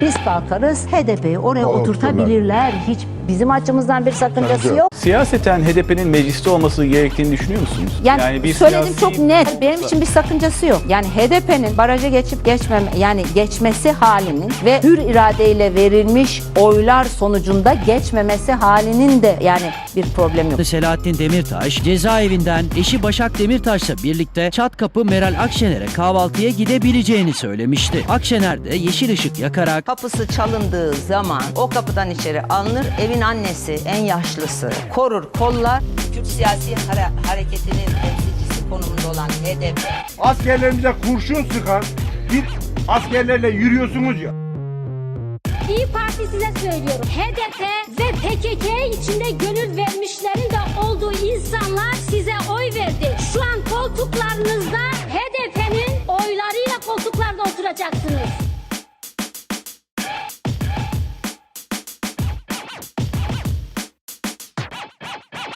biz kalkarız, HDP'yi oraya oturtabilirler. Hiç bizim açımızdan bir sakıncası yok. Siyaseten HDP'nin mecliste olması gerektiğini düşünüyor musunuz? Yani bir söyledim siyasi- çok net. Benim için bir sakıncası yok. Yani HDP'nin baraja geçip geçmesi halinin ve hür iradeyle verilmiş oylar sonucunda geçmemesi halinin de yani bir problem yok. Selahattin Demirtaş cezaevinden eşi Başak Demirtaş'la birlikte Çatkapı Meral Akşener'e kahvaltıya gidebileceğini söylemişti. Akşener de yeşil ışık yakarak Kapısı çalındığı zaman o kapıdan içeri alınır. Evin annesi, en yaşlısı korur, kollar. Türk siyasi hareketinin temsilcisi konumunda olan HDP. Askerlerimize kurşun sıkan bir askerlerle yürüyorsunuz ya. İyi Parti size söylüyorum. HDP ve PKK içinde gönül vermişlerin de olduğu insanlar size oy verdi. Şu an koltuklarınızda HDP'nin oylarıyla koltuklarda oturacaksınız.